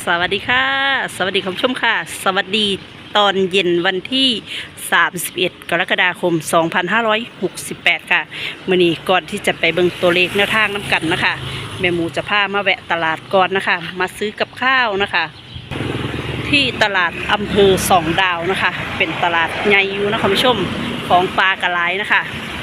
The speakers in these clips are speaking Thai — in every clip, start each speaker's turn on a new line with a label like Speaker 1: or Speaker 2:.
Speaker 1: สวัสดีค่ะสวัสดีคุณผู้ชมค่ะสวัสดีตอนเย็นวันที่31กรกฎาคม2568ค่ะมื้อนี้ก่อนที่จะไปเบิ่งตัวเลขแนวทางน้ำกันนะคะแม่หมูจะพามาแวะตลาดก่อนนะคะมาซื้อกับข้าวนะคะที่ตลาดอำเภอสองดาวนะคะเป็นตลาดใหญ่อยู่นะคุณผู้ชมของปลากระไรนะคะ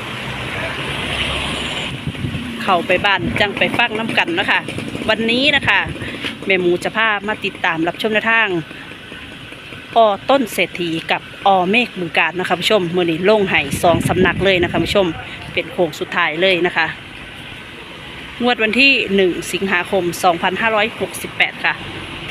Speaker 1: เข้าไปบ้านจังไปฟังน้ำกันนะคะวันนี้นะคะแม่หมูจะพามาติดตามรับชมแนวทางต้นเศรษฐีกับเมฆบึงกาฬนะคะผู้ชมมื้อนี้ลงให้2สำนักเลยนะคะผู้ชมเป็นโค้งสุดท้ายเลยนะคะงวดวันที่1สิงหาคม2568ค่ะ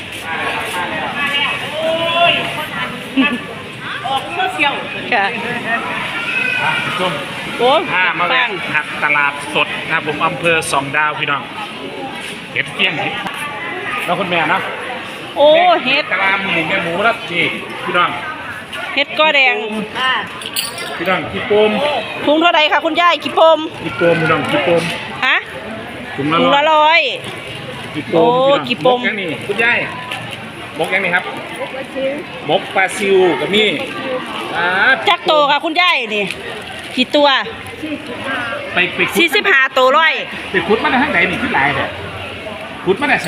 Speaker 1: ออกโซเชียลค่ะ
Speaker 2: ส้ม
Speaker 1: โอ้
Speaker 2: มาแวะหักตลาดสดนะครับผมอำเภอสองดาวพี่น้องเห็ดเฟี้ยงเห็ดแล้วคุณแม่นะ
Speaker 1: โอ้เห็ด
Speaker 2: กะลาหมูแม่หมูรับจีพี่น้อง
Speaker 1: เห็ดก้อแดง
Speaker 2: พี่น้องขี้โปม
Speaker 1: ถุงเท่าไรคะคุณยายขี้โปม
Speaker 2: ขี้โปมพี่น้องขี้โปม
Speaker 1: ฮะ
Speaker 2: ถุง
Speaker 1: ละร้อย
Speaker 2: ขี้โปมขี้โปมยังนี่คุณยายมกยังนี่ครับมกปลาซิวกับนี่
Speaker 1: จักโตค่ะคุณยายนี่กี่ตัว
Speaker 2: ไป
Speaker 1: 45ตัวร้อย
Speaker 2: ไปขุดมาได้ทั้งไหนนี่ขึ้นหลายแต่ขุดมาได้ใส่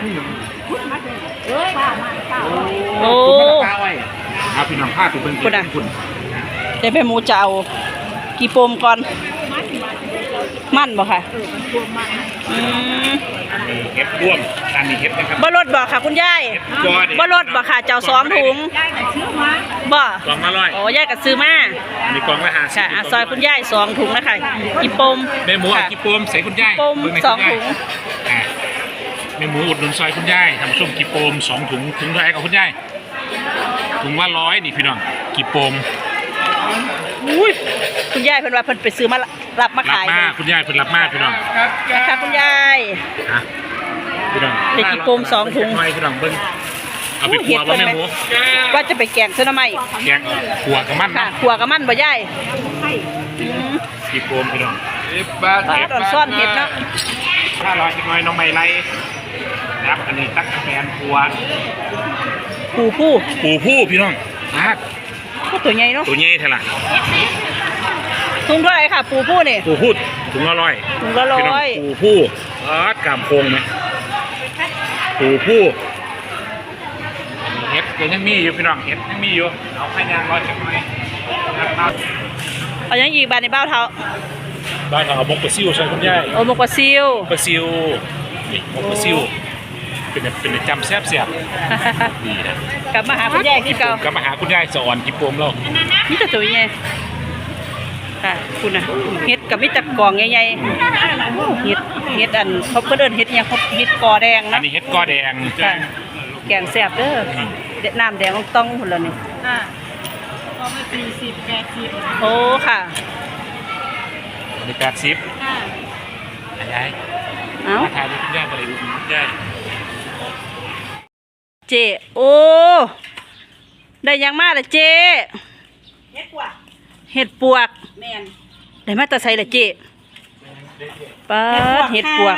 Speaker 1: โอ้
Speaker 2: ข้าวไว้เอาพี่น้องข้าตัวเป็นคุณ
Speaker 1: เดี๋ยวไปหมูจะเอากี่ปมก่อนมั่นบ่ค่ะ
Speaker 2: เห็ดร่วมอันนี้เห็ดนะครับ
Speaker 1: บ่รถบ่ค่ะคุณยายบ่รถบ่ค่ะเจ้า2ถุงบ่
Speaker 2: กล่องละ100
Speaker 1: โอ้ยายก็ซื้อมา
Speaker 2: มีกล่องละ50
Speaker 1: ค่ะซอยคุณยาย2ถุงนะคะกี่ปม
Speaker 2: แม่หมูเอากี่ปมใส่คุณยาย
Speaker 1: ปม2ถุง
Speaker 2: แม่หมูอุดหนุนซอยคุณยายทำส้มกี่ปม2ถุงถุงเท่าไหร่กับคุณยายถุงละ100นี่พี่น้องกี่ปม
Speaker 1: อุ้ยคุณยายเพิ่นว่าเพิ่นไปซื้อมารับมาขาย
Speaker 2: คุณยายเพิ่นรับมาพี่น้อง
Speaker 1: ค่ะคุณยาย
Speaker 2: พี่น้อง
Speaker 1: เด็กกี่ปม2ถุง
Speaker 2: พี่น้องเบิ่งเอาไปขัวบ่แม่หมู
Speaker 1: ว่าจะไปแกงเส้นน้ำไหม
Speaker 2: แกงขัวกับมัน
Speaker 1: ค่ะขัวกับมันบ่ยาย
Speaker 2: กี่ปมพี่น้อง
Speaker 1: ตอนซ่อนเห็ดเนาะ
Speaker 2: 500จักหน่อยน้องใหม่ไรนะครับอันนี้ตั๊กแตนขัว
Speaker 1: ปูผู้
Speaker 2: พี่น้อง
Speaker 1: ตัวใหญ่เนาะ
Speaker 2: ตัวใหญ่เท่าไหร่
Speaker 1: ถุงเท่าไหร่ค่ะปูผู้นี่
Speaker 2: ปูผู้ถุงละ100
Speaker 1: ถุงละ100
Speaker 2: ปูผู้กามโคงไหมปูผู้เห็ดยังมีอยู่พี่น้องเห็ดยังมีอยู่เอาขยันร้อยจักหน่อย
Speaker 1: เอายังอีกบาทในเบ้าเท้า
Speaker 2: บ้านเอามกปลาซิวใช่คุณยาย
Speaker 1: โอ้มกปลาซิว
Speaker 2: นี่มกปลาซิวเป็นจำแซ่บดีนะ
Speaker 1: กลับมาหาคุณยายที่เก่าก
Speaker 2: ลับมาหาคุณยายสอนกิปมแล้ว
Speaker 1: นี่จะตัวใหญ่ค่ะคุณนะเห็ดกับมิตรกล่องใหญ่ๆเห็ดอันเขาเดินเห็ดยังเขาเห็ดกอแดงนะ
Speaker 2: อันนี้เห็ดกอแดง
Speaker 1: แกงแซ่บเด้อน้ำแดงต้องหมดแล้วนี่
Speaker 3: ก็ไม่40 80
Speaker 1: โอ้ค่ะ
Speaker 2: มี80ยายมาถ่ายดูคุณยายมาเลยดูคุณยาย
Speaker 1: เจโอ้ได้ยังมาเลยเจเห็ดปวกแม่นได้มาแต่ใส่เลยเจป้าเห็ดปวก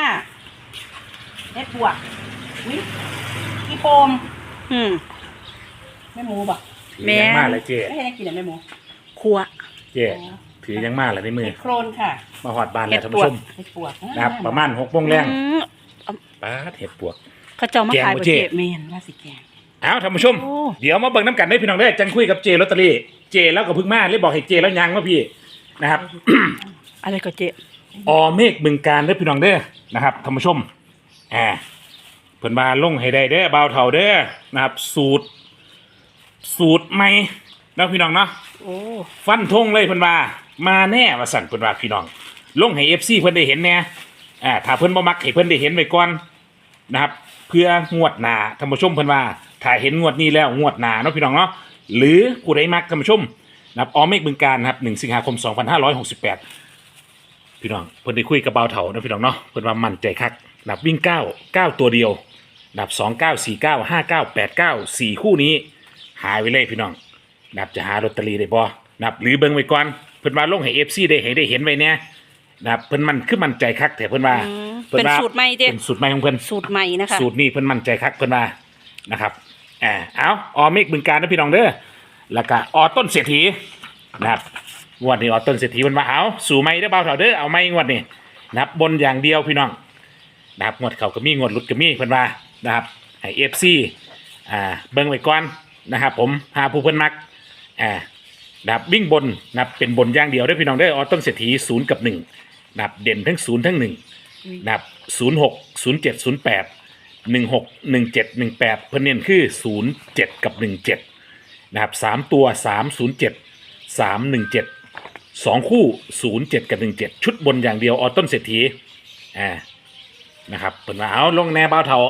Speaker 1: พี่โปมแม่หมูบ่
Speaker 2: แม่มาเลยเจ
Speaker 1: ไม่ให้กินเลยแม่หมูครัว
Speaker 2: เจถือยังมาเลยในมือ
Speaker 1: โครนค่ะ
Speaker 2: มาหอดบานแล้วท่านผู้ชมนะครับประมาณ6 โมงแรงป้าเห็ดปวก
Speaker 1: เขาเจ้ามาขายบ่เจแม่นว่าสิแกง
Speaker 2: เอาท่านผู้ชมเดี๋ยวมาเบิ่งน้ำกันได้พี่น้องได้จังคุยกับเจลอตเตอรี่เจแล้วก็พึ่งมาเลยบอกให้เจแล้วยังว่าพี่นะครับ
Speaker 1: อะไรก็เจ
Speaker 2: เมฆบึงกาฬเด้อพี่น้องเด้อนะครับท่านผู้ชมเพิ่นมาลงให้ได้เด้อบ่าวเฒ่าเด้อนะครับสูตรใหม่แล้วพี่น้องเนาะฟันธงเลยเพิ่นมาแน่ว่าสั่นเพิ่นว่าพี่น้องลงให้ FC เพิ่นได้เห็นแน่ถ้าเพิ่นบ่มักให้เพิ่นได้เห็นไว้ก่อนนะครับเพื่องวดหน้าท่านผู้ชมเพิ่นว่าถ้าเห็นงวดนี้แล้วงวดหน้าเนาะพี่น้องเนาะหรือผู้ใดมักท่านผู้ชมนะครับเมฆบึงกาฬนะครับ1 สิงหาคม 2568พี่น้องเพิ่นได้คุยกับบ่าวเฒ่านะพี่น้องเนาะเพิ่นว่ามั่นใจคักนับวิ่ง9ตัวเดียวนับ29 49 59 89 4คู่นี้หายไว้เลยพี่น้องนับจะหาลอตเตอรี่ได้บ่นับหรือเบิ่งไว้ก่อนเพิ่นว่าลงให้ FC ได้เห็นไว้แน่นะครับเพิ่นมันคือมั่นใจคักแต่เพิ่นว่า
Speaker 1: เป็นสูตรใหม่เด้
Speaker 2: เป็นสูตรใหม่ของเพิ่น
Speaker 1: สูตรใหม่นะคะ
Speaker 2: สูตรนี้เพิ่นมั่นใจคักเพิ่นว่านะครับเอาออเมกบึงการนะพี่น้องเด้อแล้วก็ออต้นเศรษฐีนะครับงวดนี้ออต้นเศรษฐีมันมาเอาสู่ไม่ได้อเบาเถาเด้อเอาไม่งวดนี้นะครับบนอย่างเดียวพี่น้องนะครับงวดเขาก็มีงวดหลุดก็มีเพิ่นว่านะครับให้ FC เบิ่งไว้ก่อนนะครับผมหาผู้เพิ่นมักนะครับวิ่งบนนะครับเป็นบนอย่างเดียวเด้อพี่น้องเด้อออต้นเศรษฐี0 กับ 1นะครับเด่นทั้ง0ทั้ง1นะครับ06 07 08 16 17 18เพิ่นเน้นคือ07กับ17นะครับ3ตัว307 317 2คู่07กับ17ชุดบนอย่างเดียวออต้นเศรษฐีนะครับเพิ่นว่าเอาลงแน่เบาเท่า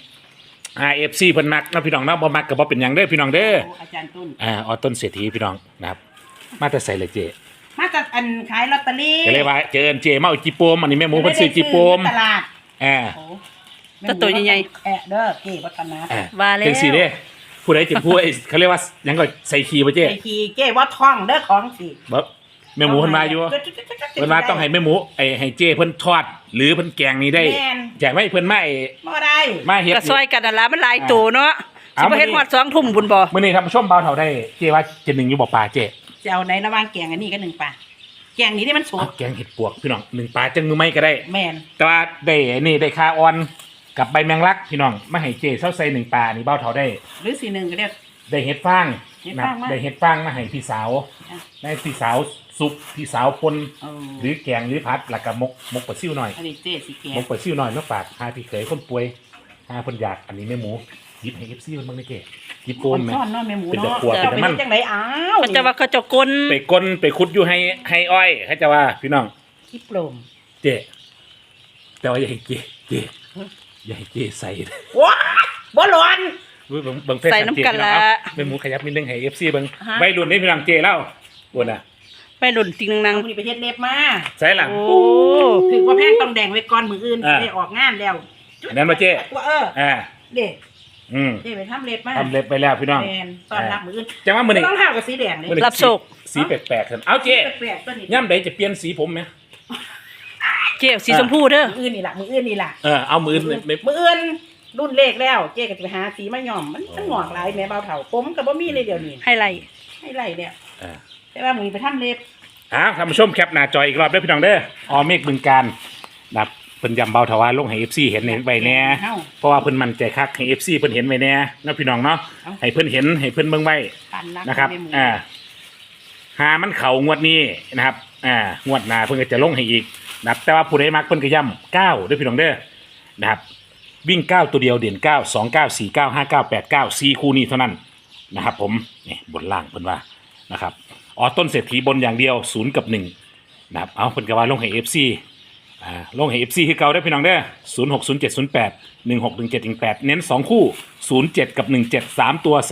Speaker 2: RFC เพิ่นมักนะพี่น้องเนาะบ่มักก็บ่เป็นหยังเด้อพี่น้องเด้อ
Speaker 3: อาจารย์ตุ้น
Speaker 2: ออต้นเศรษฐีพี่น้องนะครับมาแต่ใส่เลยเจ
Speaker 3: มาจากอันขายลอตเตอรี่
Speaker 2: ก็เลยว่าเจอเจมาเอาจีโปมอันนี้แม่หมูเพิ่นซื้อจีโปม
Speaker 3: ตลาด โอ้
Speaker 1: ก็ตัวใหญ่
Speaker 3: แอะเด้อเก๋วัฒนะ
Speaker 1: ว่าแล้ว
Speaker 2: จังซี่เด้ผู้ใดจะพูดไอ้เขาเรียกว่าหยังก็ใส่คีย์บ่เจ
Speaker 3: ไอทีเก๋ว่าท่องเด้อของสิ
Speaker 2: บ่แม่หมูเพิ่นมาอยู่เพิ่นว่าต้องให้แม่หมูให้เจเพิ่นทอดหรือเพิ่นแกงนี่ได้แจกไว้เพิ่นมา
Speaker 3: บ่ได้
Speaker 2: มาเฮ็ด
Speaker 1: ก็ซอยกันนั่นล่ะมันหลายตัวเนาะสิบ่เฮ็ดฮอด2 ทุ่มบุญบ่
Speaker 2: มื้อนี้ท่านผู้ชมเบาเท่าได้เจว่าเจนึงอยู่บ่ปลาเจ
Speaker 3: จะเอาในระหว่างแกงอันนี้ก็1 ปลาแกงนี้ที่มันสด
Speaker 2: แกงเห็ดปวกพี่น้อง1ปลาจังมือไม่ก็ได้
Speaker 3: แม่น
Speaker 2: แต่ว่าได้นี่ได้คาออนกับใบแมงลักพี่น้องมาให้เจเซาใส่1ปลานี่เบาเท่าได้
Speaker 3: หรือ1ก็เรียก
Speaker 2: ได้เห็ดฟาง
Speaker 3: เห็ด
Speaker 2: นะ
Speaker 3: ฟางมา
Speaker 2: ได้เห็ดฟางมาให้พี่สาว
Speaker 3: อ่ะ
Speaker 2: ได้พี่สาวซุปพี่สาวปน
Speaker 3: เอา
Speaker 2: หรือแกงหรือผัดแล้วก็มกปลาซิ่วหน่อย
Speaker 3: อันนี้เจ๊สิแกง
Speaker 2: มกปลาซิ่วหน่อยมาฝากหาพี่เขยคนป่วยหาคนอยากอันนี้แม่หมูหยิบให้ FC มันบ้างได้เก๋หยิบโกนไหม
Speaker 3: ซ่อนเนาะแม่หมู
Speaker 2: เป็น
Speaker 3: เนาะ
Speaker 2: ตะกั่ว
Speaker 3: จะ
Speaker 2: เป็น
Speaker 3: ไป
Speaker 2: น้ำมัน
Speaker 3: จังไดอ้าว
Speaker 1: มันจะว่าเขาเจะกล
Speaker 2: ไปก้นไปขุดอยู่ให้อ้อยเขาจะว่าพี่น้อง
Speaker 3: ที่โปร่ง
Speaker 2: เจ๊แต่ว่าอย่าให้เจ๊อย่าให้เจ๊ใส่
Speaker 3: ว้าบ่ร้อน
Speaker 2: เบิ่งเฟซ
Speaker 1: ใส่น้ำกันละ
Speaker 2: แม่หมูขยับนิดนึงให้ FC เบิ่ง
Speaker 3: ฮะ
Speaker 2: ใบรุ่นนี้พี่น้องเจ๊เล่าบ่น่ะ
Speaker 1: ไปหล่นจริงนั
Speaker 3: เอา
Speaker 1: ง
Speaker 3: นี่ไปเฮ็ดเล็บมา
Speaker 2: ใส่หลัง
Speaker 1: โอ้
Speaker 3: ถือว่าแพงต้องแดงไว้ก่อนมืออื่น
Speaker 2: อ่า
Speaker 3: ได้ออกงานแล้ว
Speaker 2: อันนั้นมาเจ๊
Speaker 3: ว่า
Speaker 2: อ่า
Speaker 3: เด็ก
Speaker 2: อืม
Speaker 3: เด็กไปทำเล็บมา
Speaker 2: ทำเล็บไปแล้วพี่น้อง
Speaker 3: แมนตอนรับมืออื่น
Speaker 2: จังว่ามื้อนี้
Speaker 3: ต้องเท้ากับสีแดงเลย
Speaker 2: มื้อนี้
Speaker 1: รับโชค
Speaker 2: สีแปลกๆกันเอาเจ๊
Speaker 3: แปลกๆตัวนี้
Speaker 2: ย่ำใดจะเปลี่ยนสีผมไหม
Speaker 1: เจ๊สีชมพูเด้อ
Speaker 3: มืออื่นนี่ล่ะมืออื่นนี่ล่ะ
Speaker 2: เอามืออื่นไม่
Speaker 3: มืออื่นรุ่นเลขแล้ว เจ๊ก็จะไปหาสีมาย่อมมันหงอกหลายแม่เบาเฒ่าผมกับบ่มีเลยเดี๋ยวนี้
Speaker 1: ให้ไล่
Speaker 3: ให้ไรเนี่ย
Speaker 2: อ่า
Speaker 3: แต่ว่ามือไปทำเล็บ
Speaker 2: ท่านผู้ชมแคปหน้าจออีกรอบเด้อพี่น้องเด้ออเมฆบึงการนับเพิ่นยำเบาทวารลงให้ FC เห็นไว้แน่เพราะว่าเพิ่นมั่นใจคักให้ FC เพิ่นเห็นไว้แน่นะพี่น้องเนาะให้เพิ่นเห็นให้เพิ่นเบิ่งไว้
Speaker 3: ปันรัก
Speaker 2: นะครับ
Speaker 3: แม่หมู
Speaker 2: หามันเข่างวดนี้นะครับงวดหน้าเพิ่นก็จะลงให้อีกนะครับแต่ว่าผู้ใดมักเพิ่นก็ย้ำ9เด้อพี่น้องเด้อนะครับวิ่ง9ตัวเดียวเด่น9 2 9 4 9 5 9 8 9 4คู่นี้เท่านั้นนะครับผมนี่บนล่างเพิ่นว่านะครับต้นเศรษฐีบนอย่างเดียว0 กับ 1นะครับเอาเพิ่นก็ว่าลงให้ FC ลงให้ FC คือเก่าได้อพี่น้องเด้อ06 07 08 16 17 18เน้น2คู่07กับ17 3ตัว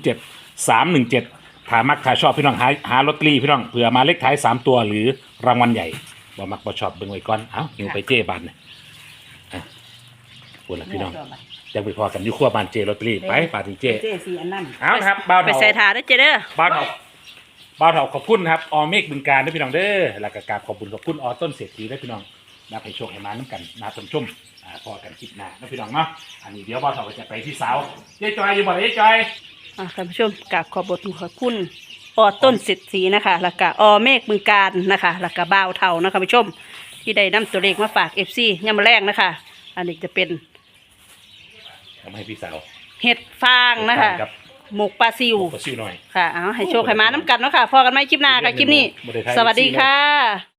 Speaker 2: 307 317ถ้ามักถ้าชอบพี่น้องหาลอตเตอรี่พี่น้องเผื่อมาเลขท้าย3ตัวหรือรางวัลใหญ่บ่มักบ่ชอบเบิ่งไว้ก่อนเอ้าหิวไปเจ้บันเนี่ยปวดละพี่น้องจังไปพอกันอยู่ครัวบ้านเจลอตเตอรี่ไปปาที่เจ
Speaker 3: เจ๊สีอันนั้น
Speaker 2: เอาครับบ่าว
Speaker 1: ไป
Speaker 2: เฒ่า
Speaker 1: ใส่ถาเด้อเจ๊เด้อ
Speaker 2: บ่าวเฒ่าบ่าวเฒ่าขอบคุณครับอเมฆบึงการด้วยพี่น้องเด้อแล้วก็กราบขอบคุณต้นเศรษฐีด้วยพี่น้องนับให้โชคให้มาน้ำกันนาชมชมพอกันคลิปหน้านะพี่น้องเนาะอันนี้เดี๋ยวบ่าวเฒ่าก็จะไปที่เสาเจ๊จอยอยู่บ่ได้เจ๊จอย
Speaker 1: ท่านผู้ชมกราบขอบคุณต้นเศรษฐีนะคะแล้วก็เมฆบึงการนะคะแล้วก็บ่าวเฒ่านะคะผู้ชมที่ได้นำตัวเลขมาฝาก FC ยามมื้อแรกนะคะ อันนี้จะเป็น
Speaker 2: ทำให้พี่สาว
Speaker 1: เห็ดฟางนะคะ
Speaker 2: กับ
Speaker 1: หมกปลาซิว
Speaker 2: ก็ซิวหน่อย
Speaker 1: ค่ะเอาให้โชคให้มาน้ำกันเนาะค่ะพอกันไหมคลิปหน้ากับคลิปนี้ สวัสดีค่ะ